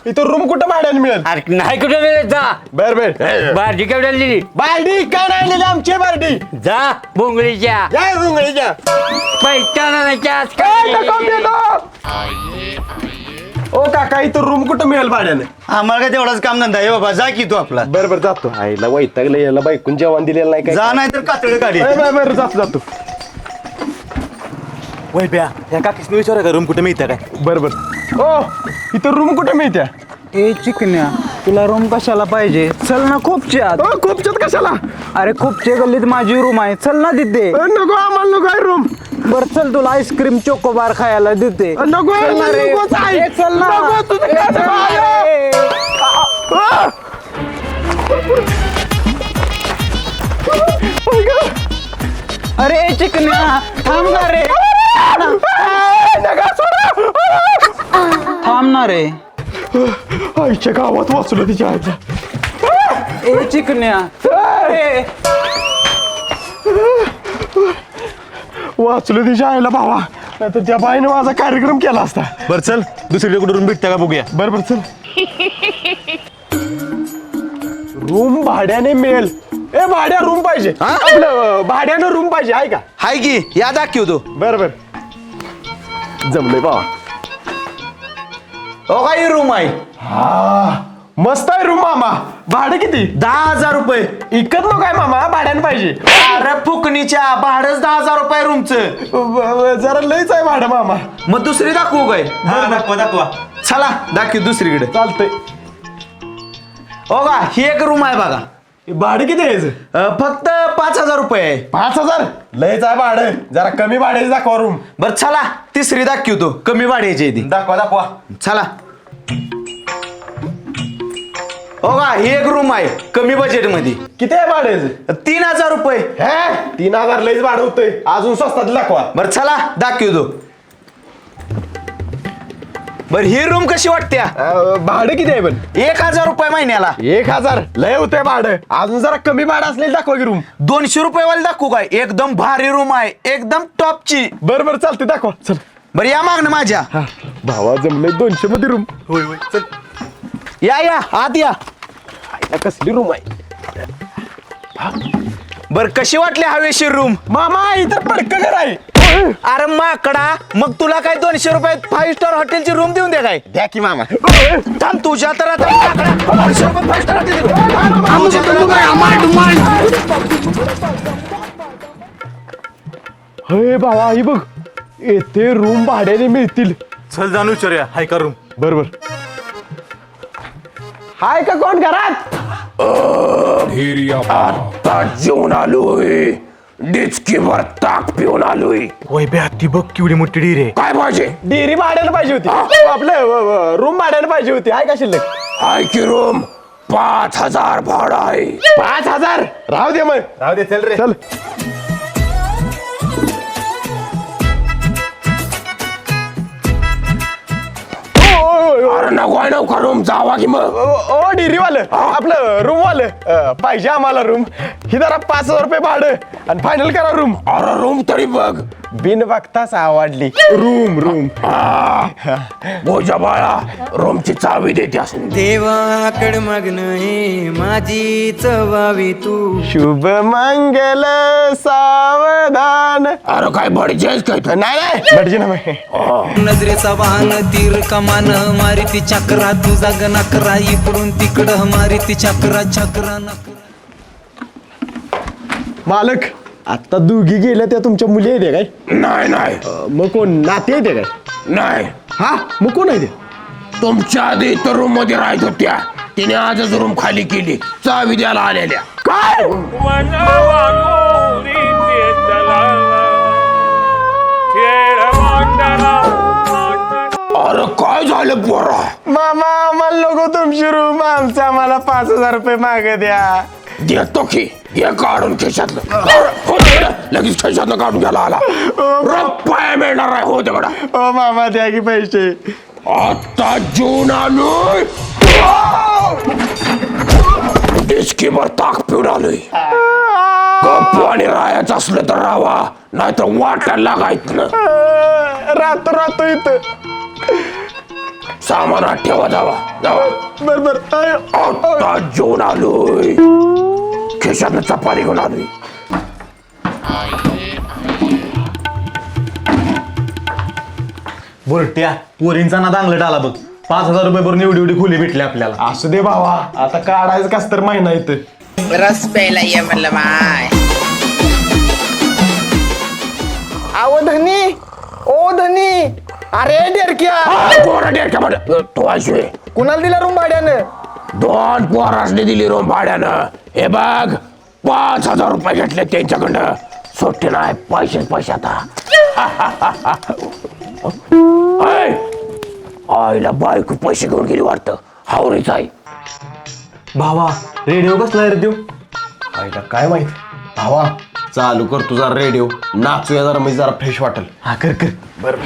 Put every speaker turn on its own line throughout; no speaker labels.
इथं रूम कुठं भाड्याने मिळेल?
अरे नाही कुठे मिळत जा.
बर बर.
बारडी केवढ्याला दिली?
बालडी काय नाही आणलेली आमची बालडी.
जा बोंगळीच्या
काय रुंगळीच्या
पैठणाच्या
ओ काका इथं रूम कुठं मिळेल भाड्याने?
आम्हाला काय तेवढाच काम धंदा आहे बाबा, जा की तू आपला.
बर बर जातो. आईला वैतागलं याला बायकून जेवण दिलेलं नाही काय.
जा नाही तर कातडे काढी.
बर जातो जातो.
वय प्या या काकीसने विचारा का रूम कुठे मिळतं काय.
बर बर. ओ इथं रूम कुठं मिळत्या?
ए चिकन्या, तुला रूम कशाला पाहिजे? चल ना खूपच्यात.
ओ खूपच्यात कशाला?
अरे खूपचे गल्लीत माझी रूम आहे, चल ना तिथे.
नको आम्हाला नको आहे रूम.
बर चल, तुला आईस्क्रीम चोकोबार खायला देते.
नको
चल ना रे.
नकोच आहे.
ए, चल ना.
नको, तुझं काय
चल ना
आहे?
रे. अरे चिकन्या थांब ना रे. थांब ना रे.
आईच्या गावात वाचलो तिच्या आईच्या.
ए चिकन्या ए.
वाचलो तिच्या आईला भावा, नाहीतर त्या बाईने माझा कार्यक्रम केला असता.
बरं चल दुसरीकडे कुठे रूम भेटतं का बघूया.
बर बर चल. रूम भाड्याने मिळेल. ए भाड्या रूम पाहिजे. आपलं भाड्यानं रूम पाहिजे आहे का?
हाय की या दाखवतो.
बर बर जमलंय बाबा.
हो काय रूम आहे.
हा मस्त आहे रूम मामा. भाडं किती?
10,000 रुपये.
इकत नको काय मामा, भाड्यानं पाहिजे.
अरे फुकणीच्या भाडंच 10,000 रुपये रूमचं.
जरा लयच आहे भाडं मामा.
मग दुसरी दाखवू काय. दाखवा चला दाखव दुसरीकडे.
चालतंय.
हो का ही एक रूम आहे बघा.
भाडं किती आहे याचं?
फक्त 5,000 रुपये आहे.
5,000 लयच आहे भाडं. जरा कमी भाड्याचं दाखवा रूम.
बरं चला तिसरी दाखवतो कमी भाड्याची ती.
दाखवा.
चला हो का ही एक रूम आहे कमी बजेट मध्ये.
किती आहे भाड्याचं?
3,000 रुपये.
हे 3,000 लयच भाडं होतंय. अजून स्वस्तात दाखवा.
बरं चला दाखवतो. बरं ही रूम कशी वाटत्या?
भाडं किती आहे पण?
1,000 रुपये महिन्याला.
1,000 लय होतंय भाडं. अजून जरा कमी भाडं असलेली दाखवा की रूम.
200 रुपये वाली दाखवू काय. एकदम भारी रूम आहे एकदम टॉपची.
बरं बरं चालते दाखवा. चल
बरं या मागणं माझ्या.
भावा जमलंय 200 मध्ये रूम.
या आत या.
कसली रूम आहे?
बर कशी वाटली हवेशीर रूम?
मामा इथं पडकं घर आहे.
अरे माकडा मग तुला काय 200 रुपयात 5 स्टार हॉटेलची रूम देऊन दे काय.
द्या की मामा.
थांब तुझ्या तर आता माकडा 200 रुपये 5 स्टार हॉटेल
हे भावा ही बघ, येथे रूम भाड्याने मिळतील.
चल जाणू विचारूया हाय का रूम.
बरोबर. हाय का कोण घरात? आता जेवण आलोय. डिचकीवर ताक पिऊन आलोय.
वय बे ती बघ केवढी मोठी डीर आहे.
काय पाहिजे? डेअरी भाड्यानं पाहिजे होती. आपलं रूम भाड्यानं पाहिजे होती. हाय का शिल्लक? हाय की रूम 5,000 भाडं आहे. 5,000 राहू दे मग.
राहू दे चल रे.
चल. अरे नको रूम जावा की मग. ओ डेअरीवालं आपलं रूम वालं पाहिजे आम्हाला रूम. ही जरा 5,000 रुपये भाडं आणि फायनल करा रूम. अरे रूम तरी बघ. बिन बघताच आवडली रूम. बोजा बाळा रूमची चावी देते असून.
देवाकड मागणं हे माझी चवावी तू.
शुभ मंगल सावधान. अरे काय भडजेस काय? नाही भडजी ना.
नजरेचा वाहन तीर कमान मारिती चक्रा तुझा गणाकरा इकडून तिकडं मारिती चक्रा नकरा.
मालक आता दोघी गेल्या त्या तुमच्या मुली आहेत काय? नाही. मग कोण नाते आहेत काय? नाही. हा मग कोण आहे ते? तुमच्या आधी तर रूम मध्ये राहत होत्या. तिने आजच रूम खाली केली. चावी द्यायला आलेल्या. काय? अरे काय झालं पोरा? मामा आम्हाला लोक तुमची रूम आम्हाला 5,000 रुपये मागे द्या. देतो की हे काढून खिशातलं. लगेच खिशातलं काढून घ्यायला आला. रुपये मिळणार आहे. हो तेवढा. हो मामा द्या की पैसे. आता जेवण आलोय. डिस्कीवर ताक पिऊन आलोय. गप्प आणि राहायचं असलं तर राहावा, नाहीतर वाटायला लागायचं ना. राहतो इथं. सामानात ठेवा जावा जावा बर आता जेवण आलोय खिशातनं चपाती घेऊन आलोय
बोलट्या पोरींचा ना दांगलट आला बघ 5,000 रुपये भरून एवढी खोली भेटली आपल्याला.
असू दे भावा आता काढायचं कस तर महिना इथं
रस प्यायला ये म्हणलं माय.
आव धनी ओ धनी अरे डेरक्या पोरा डेरक्या म्हण तो अशे कुणाला दिला रूम भाड्यानं 2 पोरासने दिली रूम भाड्यानं हे बघ 5,000 रुपये घेतले त्यांच्याकडनं सुट्टी नाही पैसे आता आईला बायको पैसे घेऊन गेली वाटतं हावरीच आहे
भावा रेडिओ कसला रे देऊ
आईला काय माहित भावा चालू कर तुझा रेडिओ नाचूया जरा म्हणजे जरा फ्रेश वाटेल
हा कर कर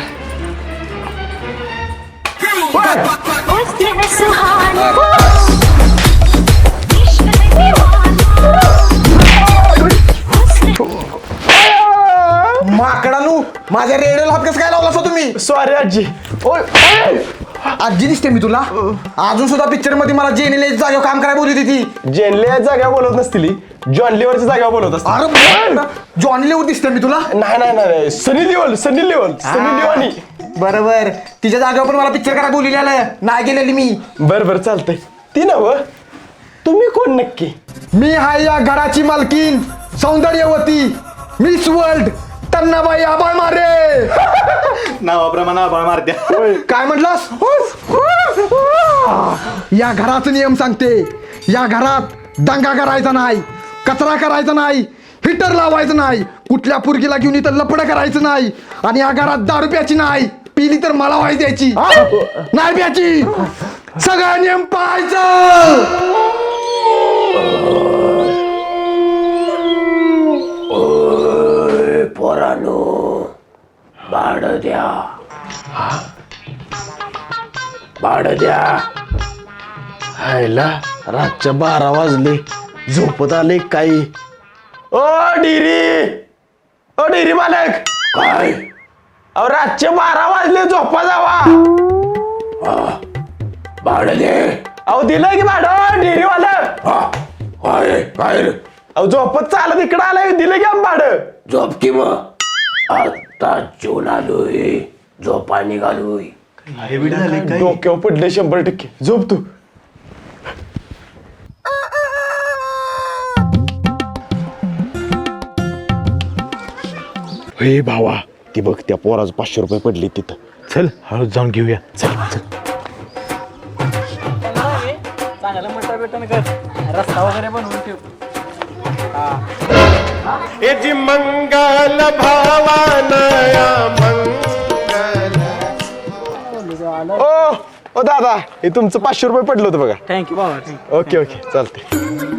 माकडानू माझ्या रेडिओला हात कसं काय लावला असं तुम्ही
सॉरी आजी ओय
आजी दिसते मी तुला अजून सुद्धा पिक्चर मध्ये मला जेनेले जागेवर काम करायला बोलली होती ती
जेनले जागा बोलत नसतील जॉन लिव्हरच्या जागा बोलत असतील
अरे जॉनी लेवर दिसते मी तुला
नाही सनी लिओनी
बरोबर तिच्या जागेवर पण मला पिक्चर करायला बोलली नाही गेलेली मी
बर चालतंय ती नव तुम्ही कोण नक्की
मी हाय या घराची मालकीन सौंदर्यवती मिस वर्ल्ड तन्नाबाई आबाळ मारे
नावाप्रमाणे आभाळ मारत्या.
काय म्हटलास या घराचा नियम सांगते या घरात दंगा करायचा नाही कचरा करायचा नाही हिटर लावायचं नाही कुठल्या पुरगीला घेऊन इथं लपडं करायचं नाही आणि या घरात दारू प्यायची नाही पिली तर मला व्हायची द्यायची नाही प्यायची सगळा नियम पाहायचं
पोरानो भाडं द्या हायला रातच्या 12 वाजले झोपत आले काही ओ डिरी मालक काय अहो रातचे 12 वाजले झोपा जावा भाडं दे अहो दिलंय की भाडं डेअरी वाला काय अहो झोपत चालत इकडं आलंय दिलं की आम भाडं झोप की मग आता जेवण आलोय झोपा निघालोय डोक्यावर पडले 100% झोप तू हे भावा ती बघ त्या पोराचं 500 रुपये पडले तिथं
चल हळूच जाऊन घेऊया.
चल याची मंगल भावानया मंगल ओ दादा हे तुमचं 500 रुपये पडलं होतं बघा.
थँक्यू बाबा.
ओके चालते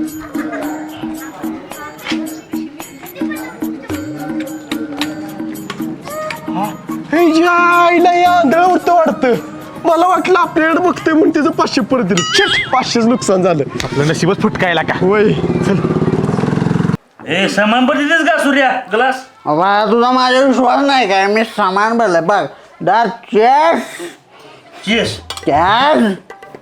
आईला आंधळ उठतं वाटतं मला वाटलं आपल्याकडे बघतोय म्हणून त्याचं 500 परत दिलं शिट 500च नुकसान झालं
आपलं नशीबच फुटकायला का
वय चल
ए सामान पडतीस का सूर्या ग्लास
बाबा तुझा माझा विश्वास नाही काय मी सामान भरलं बघ दार चेस
चेस
चेस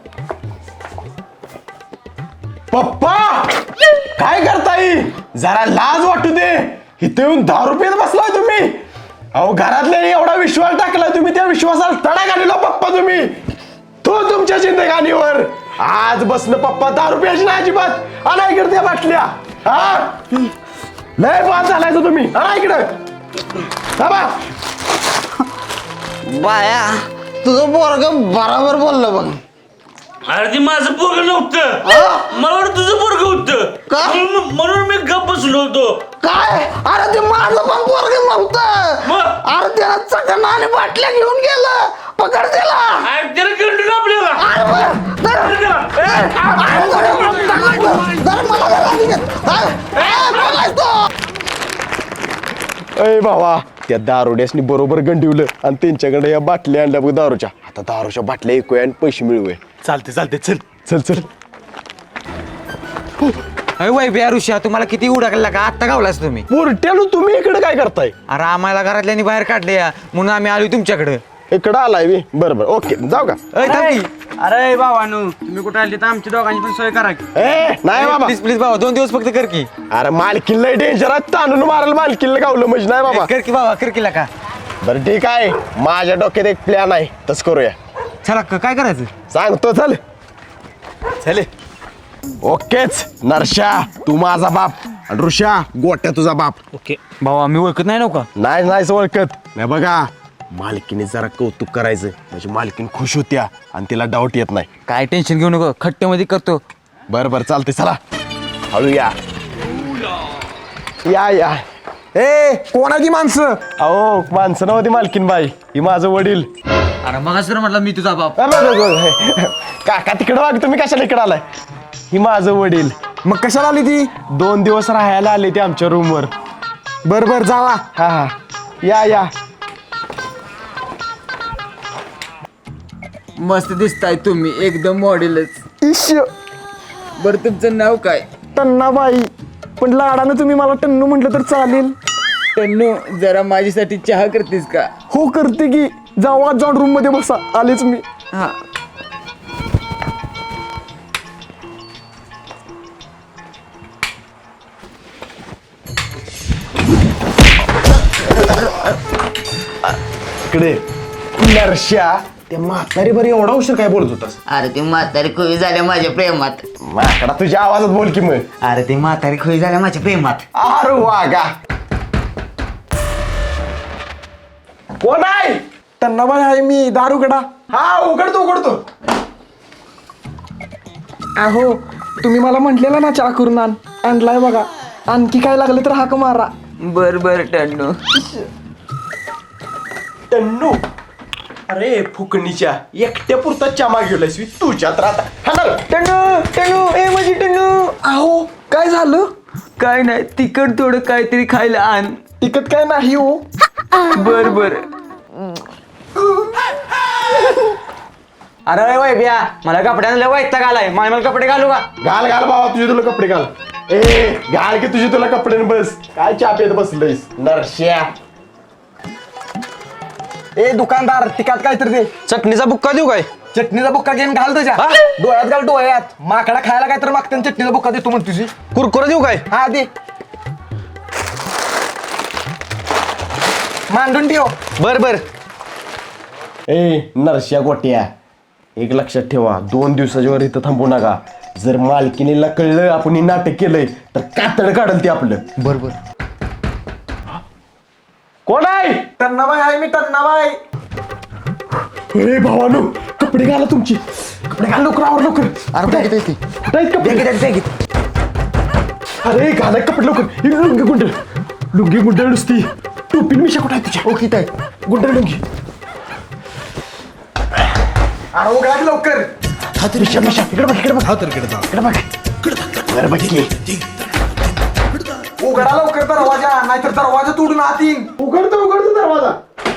पप्पा काय करताय जरा लाज वाटू दे इथे येऊन 10 रुपयात बसलाय तुम्ही अहो घरातल्या एवढा विश्वास टाकला तुम्ही त्या विश्वासाला तडा घालला पप्पा तुम्ही तो तुमच्या जिंदगानीवर आज बसणं पप्पा 10 रुपयाची ना अजिबात आणा इकडे त्या बाटल्या हा लय बाद झालाय तो तुम्ही आणा इकडं थांबा
बाया तुझं पोरग बरोबर बोललं बघ
अरे ते माझं पोरग नव्हतं मला वाटतं तुझं पोरग होतं
का?
म्हणून मी गप्प बसलो होतो
काय अरे ते माझं पण पोरग नव्हतं
मग?
अरे त्याला चकना आणि बाटल्या घेऊन गेलं पकड त्याला
अरे त्याला कंटिन्यू आपल्याला
अरे बरं, धर. अरे धर मला धर आधी घेत. धर. बोलायचं तो.
अय भावा त्या दारुड्यासनी बरोबर गंडिवलं आणि त्यांच्याकडे या बाटल्या आणल्या बघ दारूच्या आता दारूच्या बाटल्या ऐकूया आणि पैसे मिळवूया
चालते चल
चल
अरे वै बिया ऋषा तुम्हाला किती उडकला का आत्ता गावलास तुम्ही
पोरट्यानो तुम्ही इकडे काय करताय
अरे आम्हाला घरातल्यानी बाहेर काढले या म्हणून आम्ही आलो तुमच्याकडे
इकडं आलाय मी बरं बरं ओके जाऊ का
अरे भावानू तुम्ही कुठे आली तर आमची दोघांची पण सोय करा की.
ए नाही बाबा
प्लीज प्लीज बाबा 2 दिवस फक्त कर की
अरे मालकीन लय डेंजर आहे ताणून मारायला मालकीनला गावलं म्हणजे नाही बाबा
कर की बाबा कर की का
बरं ठीक आहे माझ्या डोक्यात एक प्लॅन आहे तस करूया
चला काय करायचं
सांगतो चल चले ओकेच नरशा तू माझा बाप आणि ऋषा गोट्या तुझा बाप
ओके भावा मी ओळखत नाही नव्हता
नाही ओळखत नाही बघा मालकीने जरा कौतुक करायचं म्हणजे मालकीन खुश होत्या आणि तिला डाऊट येत नाही
काय टेन्शन घेऊ नको खट्ट्यामध्ये करतो
बरं चालते चला हळू या या
ए कोणाची माणसं
अहो माणसं नव्हती मालकीन बाई ही माझं वडील
अरे मग सर म्हटलं मी तुझा बाप
काका तिकडं वाग तुम्ही कशाला इकडं आलाय ही माझं वडील
मग कशाला आली ती
2 दिवस राहायला आले ते आमच्या रूमवर
बर जावा
हा या
मस्त दिसताय तुम्ही एकदम मॉडेलच
इश
बरं तुमचं नाव काय
टन्नाबाई पण लाडानं तुम्ही मला टन्नू म्हटलं तर चालेल
टन्नू जरा माझ्यासाठी चहा करतेस का
हो करते की जावा जाऊन रूम मध्ये बसा आलेच मी
हा
इकडे नरश्या त्या म्हातारी बरी एवढा उशीर काय बोलत होतास
अरे ती म्हातारी खुई झाल्या माझ्या प्रेमात
माकडा तुझ्या आवाजात बोल की मग
अरे ती म्हातारी खुई झाल्या माझ्या प्रेमात
अरे वागा कोण आहे
टन्नाबाई आहे मी दारुगडा
हा उघडतो
अहो तुम्ही मला म्हटलेलं ना चहा करून आणलाय बघा आणखी काय लागलं तर हाक मारा
बर टन्नू
टन्नू अरे फुकणीच्या एकट्या पुरता चमा गेलायस तुझ्यात राहता
टन्नू ए माझी टन्नू
अहो काय झालं
काय नाही तिकट थोडं काहीतरी खायला आण
टिकत काय नाही हो
बर अरे वैभ्या मला कपड्यांना वैताग आलाय मला कपडे घालू का
घाल बाबा तुझे तुला कपडे घाल ए घाल की तुझे तुला कपडे बस काय चापेत बसलंयस नरश्या
ए दुकानदार तिकात काय तर दे
चटणीचा बुक्का देऊ काय
चटणीचा बुक्का घेऊन घाल तुझ्या डोळ्यात घाल डोळ्यात माकडा खायला काय तर मागते चटणीचा बुक्का देतो म्हण तुझी
कुरकुरा देऊ काय
हा दे मांडून ठेव
बर
ए नरश्या गोट्या एक लक्षात ठेवा 2 दिवसाच्या वर इथं थांबू नका जर मालकिनीला कळलं आपण हे नाटक केलंय तर कातड काढल ते आपलं
बरोबर
कोण आहे
टन्नाबाई आहे मी टन्नाबाई
ए भावानो कपडे घाला तुमची कपडे घाल लवकर अरे घाला कपडे लवकर लुंगी गुंड नुसती टोपी मिशा कुठे आहे तुझ्या
ओके ताई
गुंड लुंगी
अरे उघडा की लवकर
मिशा इकडे बघ बरं बघ की
उघडा लवकर दरवाजा नाहीतर दरवाजा तोडून आतीन
उघडतो दरवाजा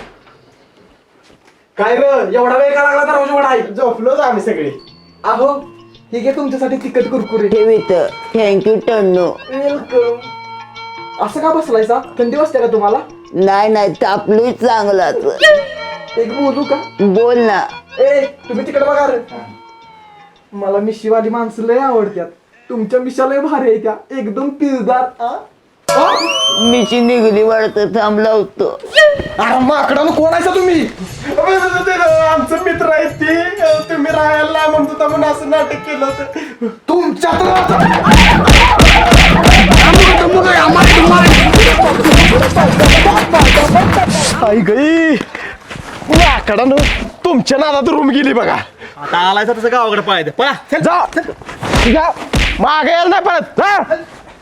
काय ग एवढा वेळ का लागला दरवाजा उघडाय
झोपलोच आम्ही सगळे
अहो हे घे तुमच्यासाठी तिखट कुरकुरे
ठेवीत थँक्यू टन्नू
वेलकम असं का बसलायचा थंडी वाजते का तुम्हाला
नाही तापलोय चांगलाच
एक बोलू का
बोल ना
ए तुम्ही तिकडे बघा रे मला मिशीवाली माणसं लय आवडतात तुमच्या मिशा लय भारी आहे त्या एकदम पिळदार
मिशी निघली वाटतं थांबला होतो
अरे माकडानं कोण आहे तुम्ही
आमचं मित्र आहेत ते तुम्ही राहायला नाही म्हणत होता म्हणून असं नाटक केलं होतं
तुमच्यात
आई गई लाकडानं तुमच्या नादात रूम गेली बघा
आता आलायचा तसं गावाकडे पाहायचं पळा
जा मागे यायला नाही परत जा.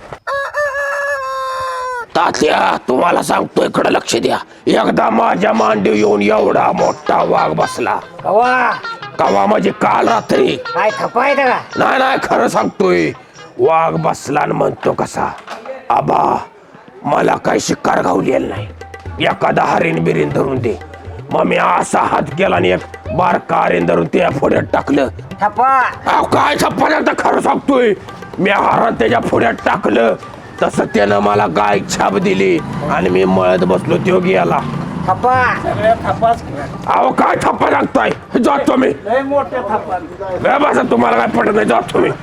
तात्या तुम्हाला सांगतो इकडे लक्ष द्या एकदा माझ्या मांडीव येऊन एवढा मोठा वाघ बसला कवा म्हणजे काल रात्री
काय खपाय का
नाही खरं सांगतोय वाघ बसला आणि म्हणतो कसा आबा मला काही शिकार गावलेला नाही एखादा हरीण बिरीन धरून दे मग मी असा हात केला आणि एक बारका हरीण धरून त्या फोड्यात टाकलं काय छप्पा लागतं खरं सांगतोय मी हरण त्याच्या फोड्यात टाकलं तसं त्यानं मला गाय छाप दिली आणि मी मळत बसलो तो गेला अहो काय थप्पा लागताय जातो मी बसा तुम्हाला काय पटत नाही जातो मी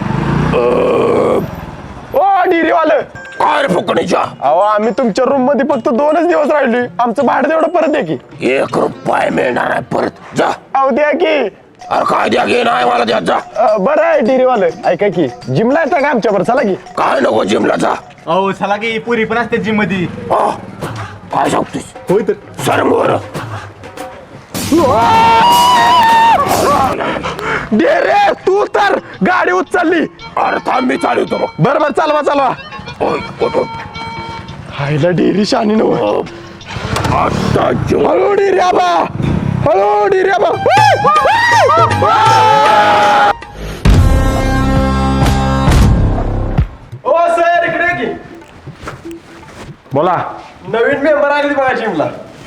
ओ डिरीवालं काय रे फुकणीच्या अहो आम्ही तुमच्या रूम मध्ये फक्त 2च दिवस राहिली आमचं भाडं तेवढं परत द्या की 1 रुपया मिळणार आहे परत जा अहो द्या की अरे काय द्या की नाही मला द्या जा बरं आहे डिरीवालं ऐका की जिमला येता का आमच्यावर चला की काय नको जिमला जा
अहो चला की पुरी पण असते जिम मध्ये
काय सांगतोस
होय तर
सर मोर डेरे तू तर गाडी उचलली अरे थांब मी चालवतो मग बरोबर चालवा हायला डेरी शानी नव आता हळू डेरी आबा हळू डेरी आबा ओ सर इकडे की बोला नवीन मेंबर आले बघा जिमला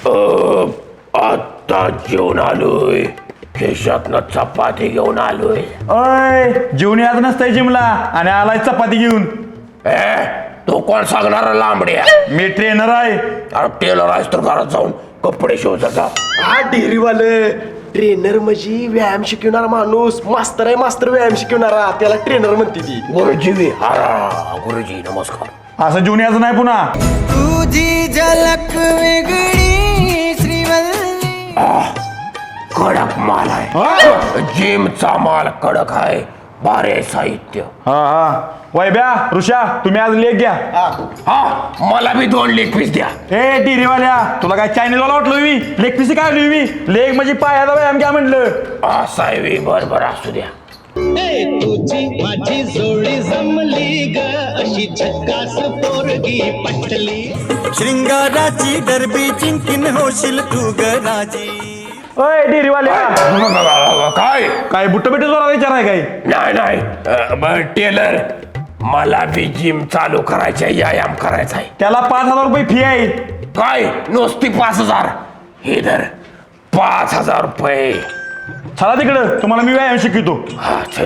आता जेवण आलोय खिशातनं चपाती घेऊन आलोय
अय जेवणी आज नसतंय जिमला आणि आलाय चपाती घेऊन
तो कोण सांगणार लांबड्या
मी ट्रेनर आहे
अरे टेलर आहेस तर घरात जाऊन कपडे शिवचा हा डेअरीवाले ट्रेनर म्हणजे व्यायाम शिकवणारा माणूस मास्तर आहे मास्तर व्यायाम शिकवणारा त्याला ट्रेनर म्हणते ती गुरुजी गुरुजी नमस्कार
असं जेवणी आज नाही पुन्हा
तुझी झलक वेगळी श्रीवल्ली
कडक माल आहे जिमचा माल कडक आहे भारी साहित्य
हा वैब्या ऋषा तुम्ही आज लेख घ्या
हा मला बी 2 लेग पीस द्या
ए टिरीवाल्या तुला काय चायनीजवाला वाटलो मी लेग पीस काय मी लेग म्हणजे पायाचा व्यायाम घ्या म्हटलं
असा आहे बरोबर असू द्या
तुझी माझी जोडी जमली ग अशी झक्कास पोरगी पटली
शृंगाराची डरबी जिंकीन होशील तू ग राजी
ओय टिरीवाल्या
काय
बुट्ट बिट्ट जोरा विचार आहे काय
नाही टेलर मला बी जिम चालू करायचं आहे व्यायाम करायचा आहे
त्याला 5,000 रुपये फी आहे
काय नुसती 5,000 हे धर 5,000 रुपये
चला तिकडं तुम्हाला मी व्यायाम शिकवतो
हा चल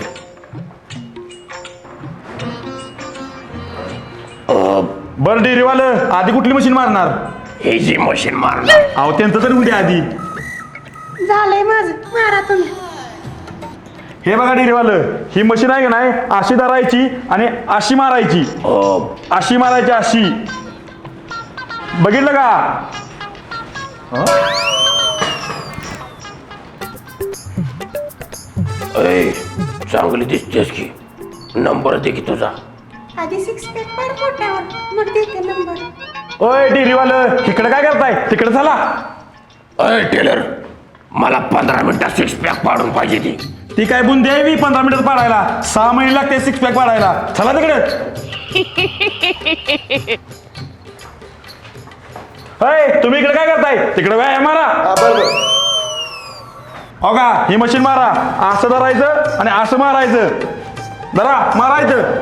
बरं डेअरीवालं आधी कुठली मशीन मारणार
हे जी मशीन मारणार
अहो त्यांचं तर उद्या आधी
झालंय माझं मारा तुम्ही
हे बघा डेअरीवालं ही मशीन आहे का नाही अशी धरायची आणि अशी मारायची अशी मारायची अशी बघितलं का
चांगली दिसतेस की नंबर दे की तुझा
आधी 6 पॅक पाड पोटावर मग देते नंबर
ओय डेअरीवालं इकडे काय करताय तिकडे चला
अय टेलर मला 15 मिनिटात 6 पॅक पाडून पाहिजे
ती काय बुंदी आहे मी 15 मिनिटात पाडायला 6 महिने लागते 6 पॅक पाडायला चला तिकडे तुम्ही इकडे काय करताय तिकडे व्यायाम मारा हो का ही मशीन मारा असं धरायचं आणि असं मारायचं धरा मारायचं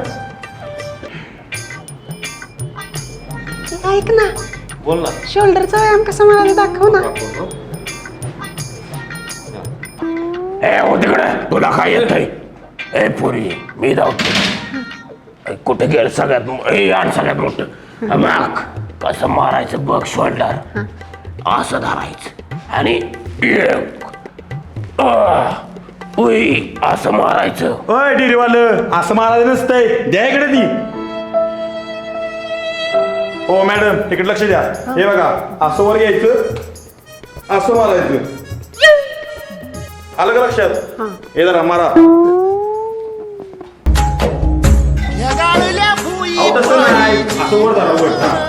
ऐक ना बोल ना शोल्डरचा व्यायाम कसा मला दाखव ना
हो तिकडे तुला काय येतंय ए पुरी मी धावतो कुठे गेलं सगळ्यात मोठं बघ कसं मारायचं बघ शोल्डर असं धरायचं आणि असं मारायचं
ओय डेअरीवालं असं मारायचं नसतंय द्या इकडे ती हो मॅडम इकडे लक्ष द्या हे बघा असं वर घ्यायचं असं मारायचं आलं का लक्षात हे जरा मारा तसं नाही असं वर धरा वर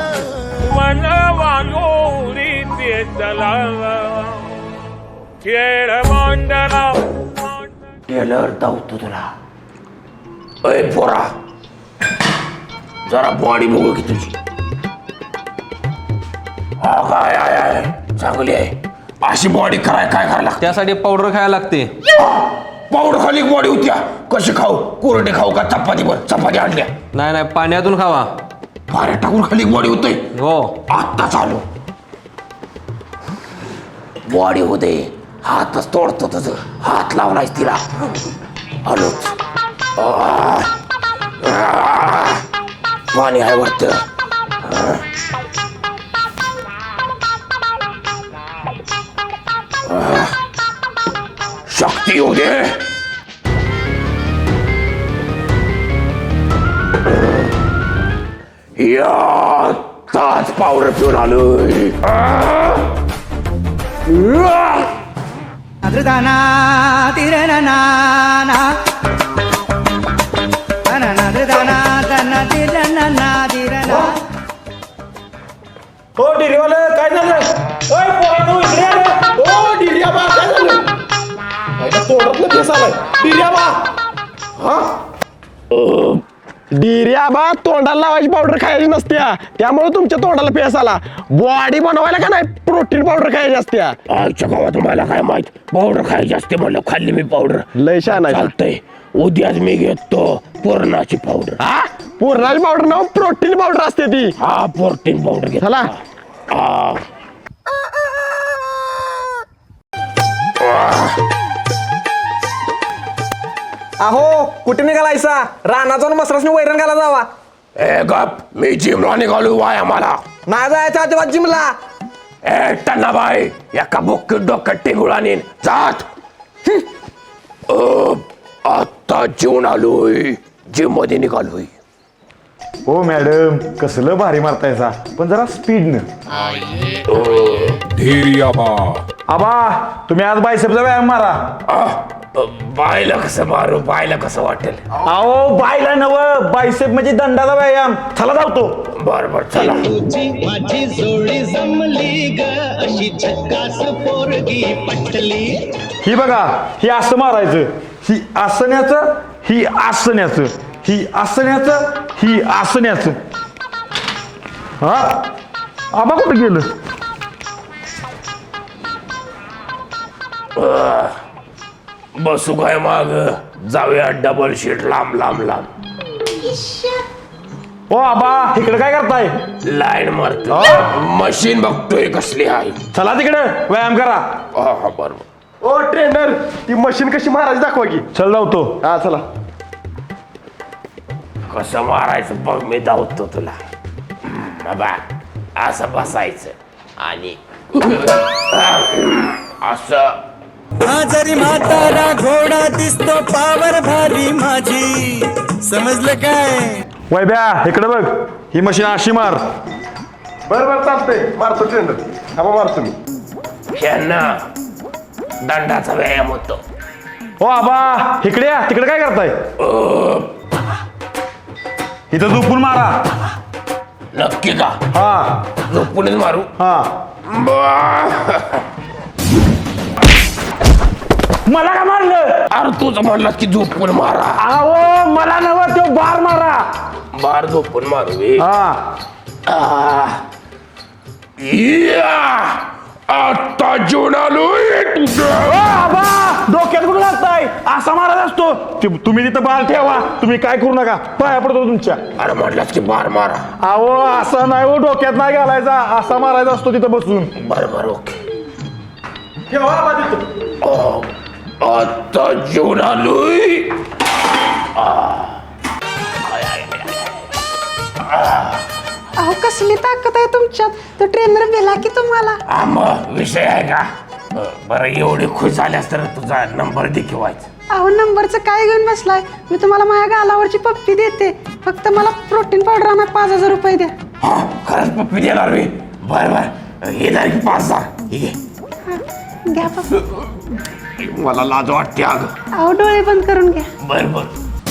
टेलर धावतो तुला अय पोरा जरा बॉडी बघू की तुझी काय आहे चांगली आहे अशी बॉडी काय करायला
त्यासाठी पावडर खायला लागते
पावडर खाली बॉडी होत्या कशी खाऊ कोरडे खाऊ का चपाती आणल्या
नाही पाण्यातून खावा
पाऱ्या टाकून खाली बॉडी होतोय
हो
आत्ता चालू बॉडी होते हातच तोडतो तुझं हात लावलायस तिला आलोच पाणी आहे वाटतं शक्ती येऊ दे. या ताच पावडर पिऊन आलोय.
हो डिरीवाले काय झालं? ओय पोरांनो, इकडे या रे.
ओ डिर्याबा काय झालं? माझ्या तोंडातलं फेस आलाय. डिर्याबा हा डिर्याबा तोंडाला लावायची पावडर खायची नसत्या, त्यामुळे तुमच्या तोंडाला फेस आला. बॉडी बनवायला का नाही प्रोटीन पावडर खायची असत्या. आजच्या गावात मला काय माहित पावडर खायची असते म्हणलं खाल्ली मी पावडर. लय छान आहे. चालतंय उद्याच मी घेतो पूर्णाची पावडर. हा पूर्णाची पावडर ना प्रोटीन पावडर असते ती. हा प्रोटीन पावडर घे. चला
अहो कुठे निघालायसा? रानात जाऊन मसरासनी वैरण घाला जावा.
ए गप मी जिमला निघालो वाय आम्हाला.
नाही जायचं अजिबात जिमला.
ए टन्नाबाई एका बुक्कीत डोक्यात टिंगुळा नेन जात. आता जेवण आलोय जिम मध्ये निघालोय.
हो मॅडम कसलं भारी मारतायसा पण जरा स्पीडनं. आबा तुम्ही आज बायसेपचा व्यायाम मारा.
बायला कसं मारू बायला कसं वाटेल.
अहो बायला नव बायसेप म्हणजे दंडाचा व्यायाम. चला जावतो.
बर बर चला.
तुझी माझी जोडी जमली ग अशी झक्कास पोरगी पटली.
ही बघा ही असं मारायचं, ही आसन्याचं, ही आसन्याचं, ही आसन्याचं, ही आसन्याचं. हा आबा कुठं गेलं?
बसू काय माग जाऊया डबल शीट लांब लांब लांब.
ओ आबा इकडे काय करताय?
लाईन मारतो मशीन बघतोय कसली आहे.
चला तिकडे व्यायाम करा.
हा बरोबर. ओ ट्रेनर ती मशीन कशी मारायची दाखवा की.
चल जावतो.
हा चला. कसं मारायचं बघ मी धावतो तुला. बा असं बसायचं आणि असं.
जरी म्हातारा घोडा दिसतो पावर भारी माझी. समजलं काय?
वैब्या इकडे बघ ही मशीन अशी मार.
बर बर चालतंय मारतो ट्रेनर. हा मारतो मी. ह्यांना दंडाचा व्यायाम होतो.
ओ आबा इकडे या. तिकडे काय करताय? इथं झोपून मारा.
नक्की का?
हा
झोपूनच मारू.
हा मला का मारलं?
अरे तुझं म्हणलास की झोपून मारा.
अहो मला नव तो बार मारा.
बार झोपून मारू.
हा
आता जेवण आलोय.
आबा डोक्यात कुठं लागताय? असा मारत असतो. तुम्ही तिथं बार ठेवा. तुम्ही काय करू नका. पाया पडतो तुमच्या.
अरे म्हटलास की बार मारा.
अहो असा नाही हो डोक्यात नाही घालायचा. असा मारायचा असतो तिथं बसून.
बरोबर ओके.
ठेवा आबा तिथं.
आता जेवण आलोय.
अहो कसली ताकद आहे तुमच्यात. तो ट्रेनर बेला की तुम्हाला.
मग विषय आहे का? बरं एवढी खुश झाल्यास तर तुझा नंबर दे किंवायचा.
अहो नंबरचं काय घेऊन बसलाय. मी तुम्हाला माझ्या गालावरची पप्पी देते. फक्त मला प्रोटीन पावडर आणा 5,000 रुपये द्या.
हा खरंच पप्पी देणार मी. बर बर हे द्या की 5,000. ठीक आहे
घ्या पप्पी.
मला लाज वाटते अगं.
अहो डोळे बंद करून घ्या.
बर बर.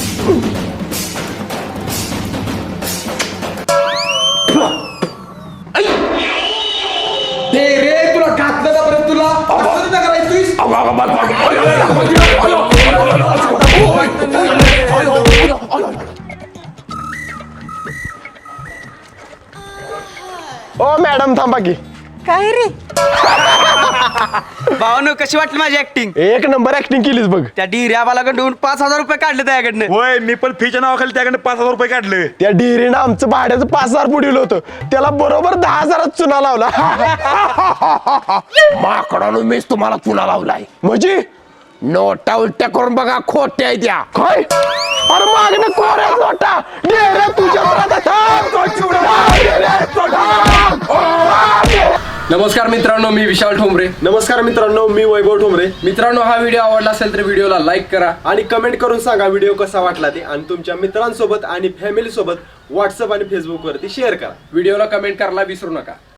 ते रे तुला घातलं ना परत तुला असं नाही करायचं.
ओ मॅडम थांबा की.
काय रे?
भावानो कशी वाटली माझी ऍक्टिंग?
एक नंबर ऍक्टिंग केलीस बघ.
त्या डिर्याबाला कडून 5,000 रुपये काढले त्याकडनं.
होय मी पण फीच्या नावाखाली त्याकडे 5,000 रुपये काढले.
त्या डिरीनं आमचं भाड्याचं 5,000 पुढील होतं. त्याला बरोबर 10,000 चुना लावला. माकडानं मीच तुम्हाला चुना लावलाय. म्हणजे नोटा उलट्या करून बघा खोट्या आहे त्या. काय? अरे मागणं कोऱ्या नोटा. डेरे तुझ्या नमस्कार मित्रांनो, मी विशाल ठोंबरे. नमस्कार मित्रांनो, मी वैभव ठोंबरे. मित्रांनो, हा व्हिडिओ आवडला असेल तर व्हिडिओला लाईक करा आणि कमेंट करून सांगा व्हिडिओ कसा वाटला ते, आणि तुमच्या मित्रांसोबत आणि फॅमिली सोबत व्हॉट्सअप आणि फेसबुक वरती शेअर करा. व्हिडिओला कमेंट करायला विसरू नका.